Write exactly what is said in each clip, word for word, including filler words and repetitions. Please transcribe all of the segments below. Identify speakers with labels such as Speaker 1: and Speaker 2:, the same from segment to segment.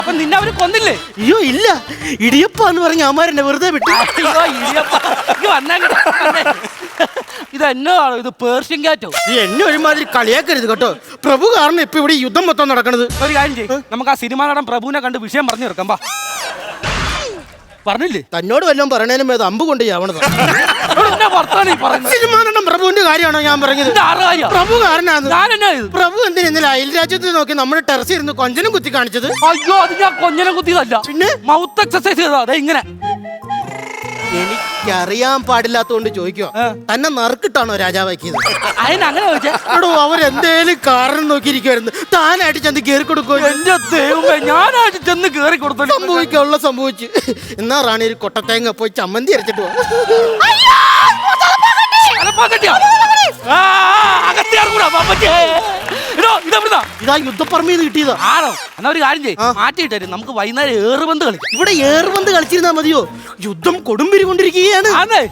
Speaker 1: അപ്പൊ നിന്നെ അവര് കൊന്നില്ലേ?
Speaker 2: അയ്യോ ഇല്ല, ഇടിയപ്പ എന്ന് പറഞ്ഞ അമ്മാരെന്നെ വെറുതെ വിട്ടു.
Speaker 1: അയ്യോ, ഇടിയപ്പ. ഇങ്ങ് വന്നേ, ഇങ്ങട് വന്നേ. ഇത് എന്നതാണോ? ഇത് പേർഷ്യൻ കാറ്റോ?
Speaker 2: നീ എന്നെ ഒരുമാതിരി കളിയാക്കരുത് കേട്ടോ. പ്രഭു കാരണം ഇപ്പൊ ഇവിടെ യുദ്ധം മൊത്തം നടക്കണത്.
Speaker 1: ഒരു കാര്യം ചെയ്യ്, നമുക്ക് ആ സിനിമ നടൻ പ്രഭുവിനെ കണ്ട് വിഷയം പറഞ്ഞു തീർക്കാം. വാ. പറഞ്ഞില്ലേ?
Speaker 2: തന്നോട് വല്ലതും പറയണേനും അത് അമ്പ് കൊണ്ട് ചാവണത്. സിനിമാ നടൻ പ്രഭുവിന്റെ കാര്യമാണോ ഞാൻ പറഞ്ഞത്? പ്രഭു കാരനാണ്. പ്രഭു എന്തിനാ അയൽ രാജ്യത്ത് നോക്കി നമ്മുടെ ടെറസ് ഇരുന്ന് കൊഞ്ചനും കുത്തി കാണിച്ചത്?
Speaker 1: അയ്യോ, അത് ഞാൻ കൊഞ്ഞനം കുത്തിയതല്ല, പിന്നെ മൗത്ത് എക്സസൈസ് ചെയ്തതാ. അതെ ഇങ്ങനെ.
Speaker 2: എനിക്കറിയാൻ പാടില്ലാത്തോണ്ട് ചോദിക്കുക, തന്നെ നറുക്കിട്ടാണോ രാജാവാക്കിയത്?
Speaker 1: അതിനങ്ങനെ ചോദിച്ചേ.
Speaker 2: എടോ, അവരെന്തേലും കാരണം നോക്കിയിരിക്കുവായിരുന്നു, താനായിട്ട് ചെന്ന് കയറി കൊടുക്കുക.
Speaker 1: എന്റെ ദൈവമേ, ഞാനായിട്ട് ചെന്ന് കയറി കൊടുത്തു.
Speaker 2: സംഭവിക്കാനുള്ള സംഭവിച്ചു. എന്നാ റാണി ഒരു കൊട്ടത്തേങ്ങ പോയി ചമ്മന്തി അരച്ചിട്ട് പോ. ഇതാ യുദ്ധപ്പറമ്പിന്ന് കിട്ടിയതാ.
Speaker 1: ആണോ? എന്നാ ഒരു കാര്യം ചെയ്യ്, മാറ്റിയിട്ടേ നമുക്ക് വൈകുന്നേരം ഏറുപന്ത് കളിക്കാം.
Speaker 2: ഇവിടെ ഏറുപന്ത് കളിച്ചിരുന്നാ മതിയോ? യുദ്ധം കൊടുമ്പിരി കൊണ്ടിരിക്കുകയാണ്.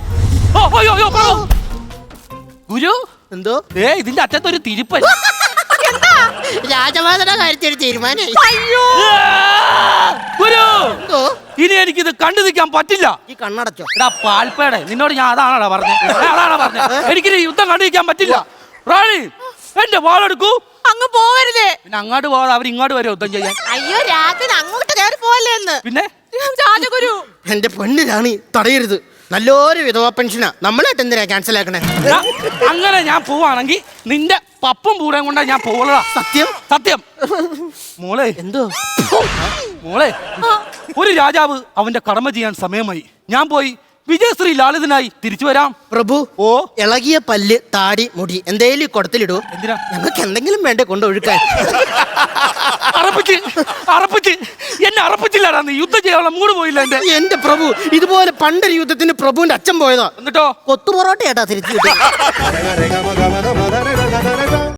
Speaker 1: ഗുരു,
Speaker 2: എന്തോ
Speaker 1: ഏ ഇതിന്റെ അറ്റത്തൊരു തിരിപ്പൻ.
Speaker 2: രാജവാദന കാര്യത്തിൽ തീരുമാനം.
Speaker 1: ഗുരു, ഇനി എനിക്കിത് കണ്ടു നിൽക്കാൻ പറ്റില്ല.
Speaker 2: ഈ കണ്ണടച്ചോ.
Speaker 1: എടാ പാൽപ്പേടെ, നിന്നോട് ഞാൻ അതാണോ പറഞ്ഞത്? അതാണോ പറഞ്ഞത്? എനിക്കിനി യുദ്ധം കണ്ടു നിൽക്കാൻ പറ്റില്ല. റാണി, എന്റെ വാളെടുക്കൂ.
Speaker 3: അങ്ങ് പോവരുതേ.
Speaker 1: പിന്നെ അങ്ങോട്ട് പോവാതെ അവർ ഇങ്ങോട്ട് വരെ യുദ്ധം ചെയ്യാൻ.
Speaker 3: അയ്യോ, രാത്രി അങ്ങോട്ട് കയറി പോവല്ലേ എന്ന്.
Speaker 1: പിന്നെ
Speaker 3: രാജഗുരു,
Speaker 2: എന്റെ പൊന്ന് റാണി, തടയരുത്. നല്ലൊരു വിധവാ പെൻഷനാ. നമ്മളായിട്ട് എന്തിനാ ക്യാൻസൽ ആക്കണേ?
Speaker 1: അങ്ങനെ ഞാൻ പോവാണെങ്കിൽ നിന്റെ പപ്പും പൂടേം കൊണ്ടാ ഞാൻ പോവുള്ളതാ.
Speaker 2: സത്യം
Speaker 1: സത്യം. മോളെ,
Speaker 2: എന്തോ
Speaker 1: മോളെ, ഒരു രാജാവ് അവന്റെ കടമ ചെയ്യാൻ സമയമായി. ഞാൻ പോയി വിജയശ്രീ ലാളിതനായി തിരിച്ചു വരാം.
Speaker 2: പ്രഭു,
Speaker 1: ഓ
Speaker 2: ഇളകിയ പല്ല്, താടി, മുടി എന്തേലും കുടത്തിലിടൂ.
Speaker 1: എന്തിനാ?
Speaker 2: ഞങ്ങൾക്ക് എന്തെങ്കിലും വേണ്ടേ കൊണ്ടൊഴുക്കാൻ.
Speaker 1: അറപ്പിച്ച് അറപ്പിച്ച് എന്നെ അറപ്പിച്ചില്ലാടാ. നീ യുദ്ധം ചെയ്യാനുള്ള മൂട് പോയില്ല എന്റെ.
Speaker 2: എന്റെ പ്രഭു, ഇതുപോലെ പണ്ടൊരു യുദ്ധത്തിന് പ്രഭുവിന്റെ അച്ഛൻ പോയതാ.
Speaker 1: എന്നിട്ടോ?
Speaker 2: കൊത്തു പൊറോട്ട ഏട്ടാ തിരിച്ചു കിട്ടും.